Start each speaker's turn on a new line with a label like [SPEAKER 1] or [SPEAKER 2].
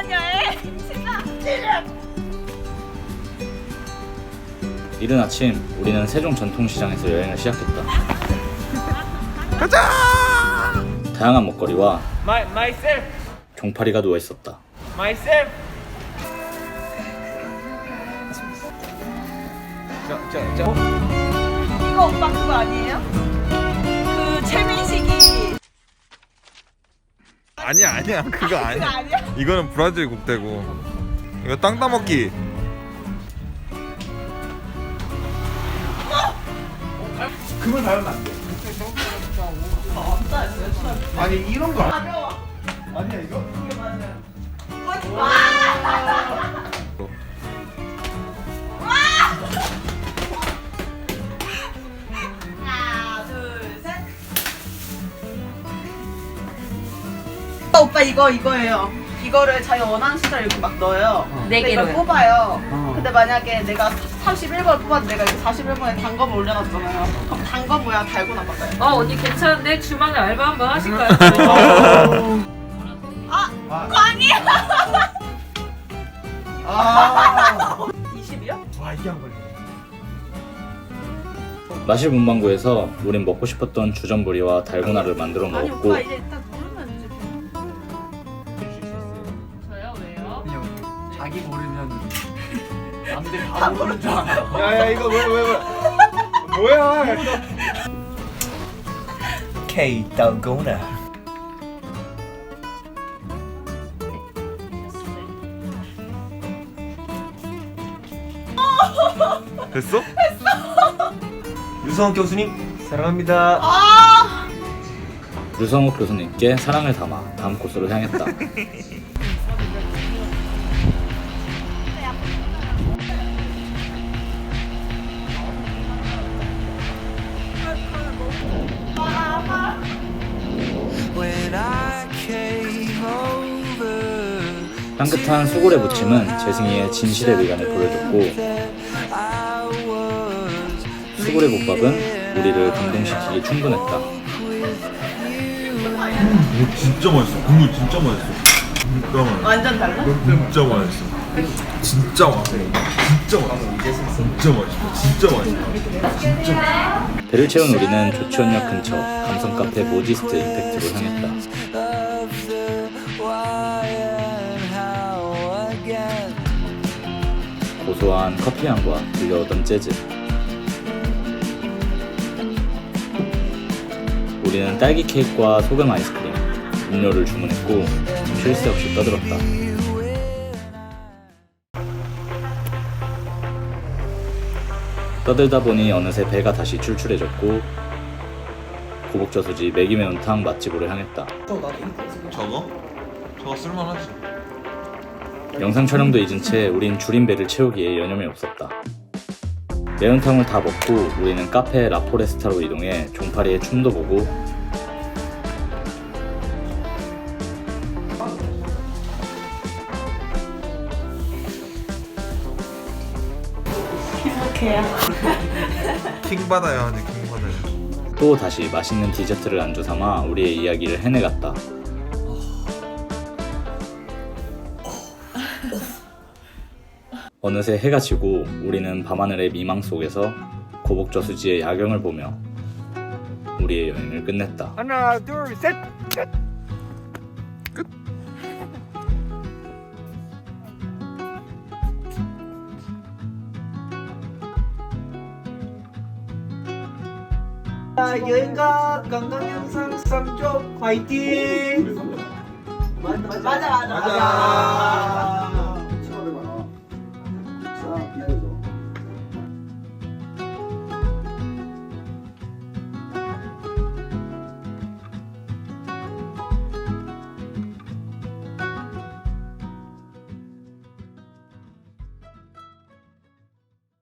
[SPEAKER 1] 이번 여행 신나.
[SPEAKER 2] 이른 아침 우리는 세종 전통시장에서 여행을 시작했다.
[SPEAKER 3] 가자!
[SPEAKER 2] 다양한 먹거리와
[SPEAKER 3] myself.
[SPEAKER 2] 종파리가 누워 있었다.
[SPEAKER 3] myself.
[SPEAKER 1] 이거 오빠 그거 아니에요? 그 최민식이
[SPEAKER 3] 아니야 그거
[SPEAKER 1] 그거
[SPEAKER 3] 아니야.
[SPEAKER 1] 아니야?
[SPEAKER 3] 이거는 브라질 국대고 이거 땅 따먹기.
[SPEAKER 4] 금을 밟으면 안 돼. 아니 이런 거
[SPEAKER 1] 가벼워.
[SPEAKER 4] 아니야 이거?
[SPEAKER 1] 이게 맞아요. 하나, 둘, 셋. 오빠 이거예요. 이거를 자기 원하는 숫자 이렇게 막 넣어요.
[SPEAKER 5] 네
[SPEAKER 1] 근데 이걸
[SPEAKER 5] 개로요?
[SPEAKER 1] 뽑아요. 근데 만약에 내가 31번을 뽑았는데 내가 이거 41번에 단검을 올려놨잖아요. 그럼 단검 모양 달고나 받아요.
[SPEAKER 5] 언니 괜찮은데 주말에 알바 한번 하실까요?
[SPEAKER 1] 그거 아니야.
[SPEAKER 4] 아
[SPEAKER 1] 20이요?
[SPEAKER 4] 와 이게 안 걸리네.
[SPEAKER 2] 마실 문방구에서 우린 먹고 싶었던 주전부리와 달고나를 만들어
[SPEAKER 1] 아니
[SPEAKER 2] 먹었고
[SPEAKER 1] 오빠 이제 딱 모르면 이제
[SPEAKER 5] 저요? 왜요?
[SPEAKER 4] 그냥 자기 모르면 남들
[SPEAKER 1] 다
[SPEAKER 4] 다 모르는 줄 알아. 야야 이거 뭐야? K 달고나.
[SPEAKER 3] 됐어?
[SPEAKER 4] 유성원 교수님 사랑합니다.
[SPEAKER 2] 유성욱 교수님께 사랑을 담아 다음 코스로 향했다. 향긋한 수골의 무침은 재승이의 진실의 미간을 보여줬고 수골의 국밥은 우리를 감동시키기 충분했다.
[SPEAKER 3] 이거 진짜 맛있어. 국물 진짜 맛있어. 진짜 맛있어.
[SPEAKER 1] 완전 달라?
[SPEAKER 3] 진짜 맛있어. 진짜 맛있어. 진짜 맛있어. 진짜 맛있어. 진짜 맛있어. 진짜 맛있어.
[SPEAKER 2] 배를 채운 우리는 조치원역 근처 감성 카페 모디스트 임팩트로 향했다. 고소한 커피 향과 들려오던 재즈. 우리는 딸기 케이크와 소금 아이스크림, 음료를 주문했고 쉴 새 없이 떠들었다. 떠들다 보니 어느새 배가 다시 출출해졌고 고복저수지 매기 매운탕 맛집으로 향했다.
[SPEAKER 3] 저거? 저거 쓸만하지.
[SPEAKER 2] 영상 촬영도 잊은 채 우린 줄인 배를 채우기에 여념이 없었다. 매운탕을 다 먹고 우리는 카페 라포레스타로 이동해 종파리의 춤도 보고
[SPEAKER 1] 행복해요.
[SPEAKER 3] 킹 받아야 하네. 킹 받아야.
[SPEAKER 2] 또 다시 맛있는 디저트를 안주 삼아 우리의 이야기를 해내갔다. 어느새 해가 지고 우리는 밤하늘의 미망 속에서 고복저수지의 야경을 보며 우리의 여행을 끝냈다.
[SPEAKER 4] 하나 둘 셋. 여행가 관광 영상 3조 파이팅. 맞아.